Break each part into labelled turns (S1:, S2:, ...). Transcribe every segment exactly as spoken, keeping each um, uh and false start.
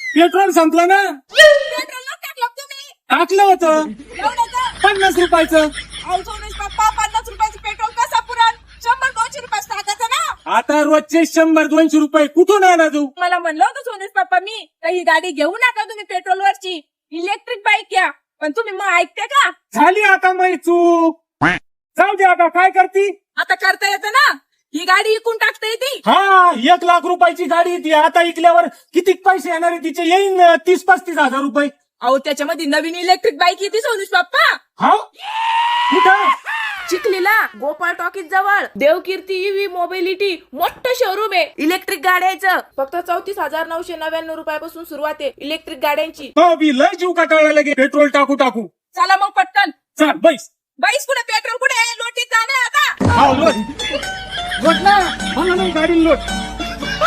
S1: Petrol संपलं ना.
S2: Petrol न टाकलं का तुम्ही?
S1: टाकलं होतं
S2: एवढ्याचं?
S1: पन्नास रुपयाचं.
S2: अहो सोनेश पप्पा, पन्नास रुपयाचं पेट्रोल कसा पुरण? शंभर दोनशे रुपयाच टाकायचं ना.
S1: आता रोजचे शंभर दोनशे रुपये कुठून आणा तू.
S2: मला म्हणलं होतं सोनेश पप्पा मी तर ही गाडी घेऊ नका तुम्ही पेट्रोलवरची, इलेक्ट्रिक बाईक घ्या. पण तुम्ही मग ऐकते का?
S1: झाली आता मै चूक. जाऊ दे आता काय करती.
S2: आता करता येतं ना, ही गाडी इकून टाकता येते.
S1: हा एक लाख रुपयाची गाडी ती आता इकल्यावर किती पैसे येणार आहे तिचे. येईन तीस पस्तीस हजार रुपये.
S2: अहो त्याच्यामध्ये नवीन इलेक्ट्रिक बाईक येते सोनेश पप्पा.
S1: हा कुठं.
S2: चिखलीला गोपाळ टॉकीज जवळ देवकीर्ती ईव्ही मोबिलिटी मोठं शोरूम आहे इलेक्ट्रिक गाड्यांचं. फक्त चौतीस हजार नऊशे नव्याण्णव रुपयापासून सुरुवात आहे इलेक्ट्रिक गाड्यांची.
S1: हो बी लय जीव काटाळा लगे पेट्रोल टाकू टाकू.
S2: चला मग पटकन.
S1: चल बैस.
S2: बाईस कुठे पेट्रोल कुठे लोटीत जाणार आता.
S1: हा लोट लोट ना मला नाही गाडी लोट.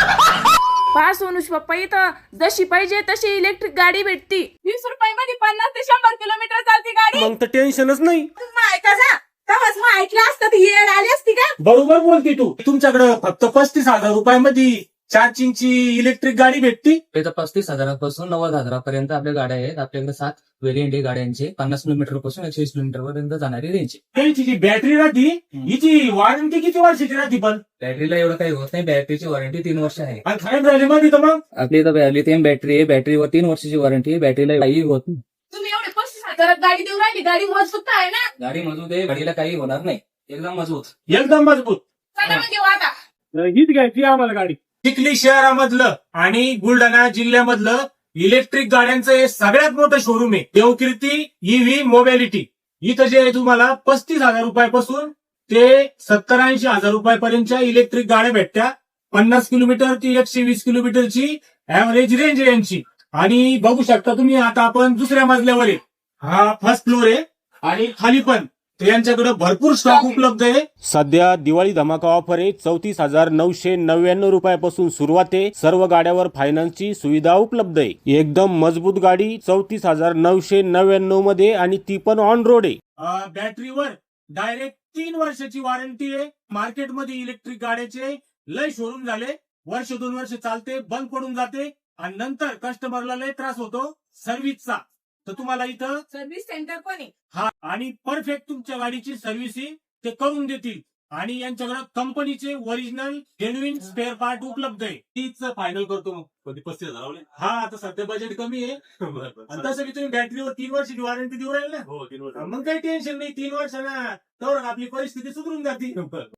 S2: पहा सोनुष पप्पा इथं जशी पाहिजे तशी इलेक्ट्रिक गाडी भेटती. वीस रुपयामध्ये पन्नास ते शंभर किलोमीटर चालती गाडी.
S1: मग तर टेन्शनच नाही.
S2: मग ऐका जा तेव्हाच मग ऐकलं असतं ती येड आली असती का.
S1: बरोबर बोलती तू. तुमच्याकडे फक्त पस्तीस हजार रुपयामध्ये चार्जिंगची इलेक्ट्रिक गाडी भेटती.
S3: तर पस्तीस हजारापासून नव्वद हजारापर्यंत आपल्या गाड्या आहेत. आपल्याकडे सात व्हेरियंट आहे गाड्यांचे. पन्नास किलोमीटर पासून एकशे वीस किलोमीटर पर्यंत जाणारी रेंज.
S1: त्यांची जी बॅटरी राहती हिची वॉरंटी किती वर्षाची राहती. पण
S3: बॅटरीला एवढं काही होत नाही. बॅटरीची वॉरंटी तीन वर्ष आहे.
S1: आणि खराब झाली मध्ये तर मग
S3: आपली इथं लिथियम बॅटरी आहे. बॅटरीवर तीन वर्षाची वॉरंटी आहे. बॅटरीला काही होत नाही.
S2: तुम्ही एवढे पस्तीस हजारात गाडी देऊ राहिली, गाडी मजबूत आहे ना.
S3: गाडी मजबूत आहे. गाडीला काही होणार नाही. एकदम मजबूत.
S1: एकदम मजबूत.
S2: चला मग घेऊ आता.
S1: हीच घ्यायची आम्हाला गाडी. चिखली शहरामधलं आणि बुलढाणा जिल्ह्यामधलं इलेक्ट्रिक गाड्यांचं हे सगळ्यात मोठं शोरूम आहे देवकीर्ती ईव्ही मोबिलिटी. इथं जे आहे तुम्हाला पस्तीस हजार रुपयापासून ते सत्तर ऐंशी हजार रुपयापर्यंतच्या इलेक्ट्रिक गाड्या भेटत्या. पन्नास किलोमीटर ती एकशे वीस किलोमीटरची ऍव्हरेज रेंज आहे यांची. आणि बघू शकता तुम्ही आता आपण दुसऱ्या मजल्यावर आहे. हा फर्स्ट फ्लोर आहे आणि खाली पण यांच्याकडे भरपूर स्टॉक उपलब्ध आहे. सध्या दिवाळी धमाका ऑफर आहे. चौतीस हजार नऊशे नव्याण्णव रुपयापासून सुरुवात आहे. सर्व गाड्यावर फायनान्सची सुविधा उपलब्ध आहे. एकदम मजबूत गाडी चौतीस हजार नऊशे नव्याण्णव मध्ये आणि ती पण ऑन रोड आहे. बॅटरीवर डायरेक्ट तीन वर्षाची वॉरंटी आहे. मार्केटमध्ये इलेक्ट्रिक गाड्याचे लय शोरूम झाले. वर्ष दोन वर्ष चालते बंद पडून जाते आणि नंतर कस्टमरला लय त्रास होतो सर्व्हिसचा. तर तुम्हाला इथं
S2: सर्व्हिस सेंटर पण आहे.
S1: हा आणि परफेक्ट तुमच्या गाडीची सर्व्हिसिंग ते करून देतील. आणि यांच्याकडे कंपनीचे ओरिजिनल जेन्युइन स्पेअर पार्ट उपलब्ध आहे. तीच फायनल करतो मग कधी पस्तीस हजार. हा आता सध्या बजेट कमी आहे. आणि तसं की तुम्ही बॅटरीवर तीन वर्षाची वॉरंटी देऊ राहील ना. हो तीन वर्ष. मग काही टेन्शन नाही. तीन वर्षांना तर आपली परिस्थिती सुधरून जाते.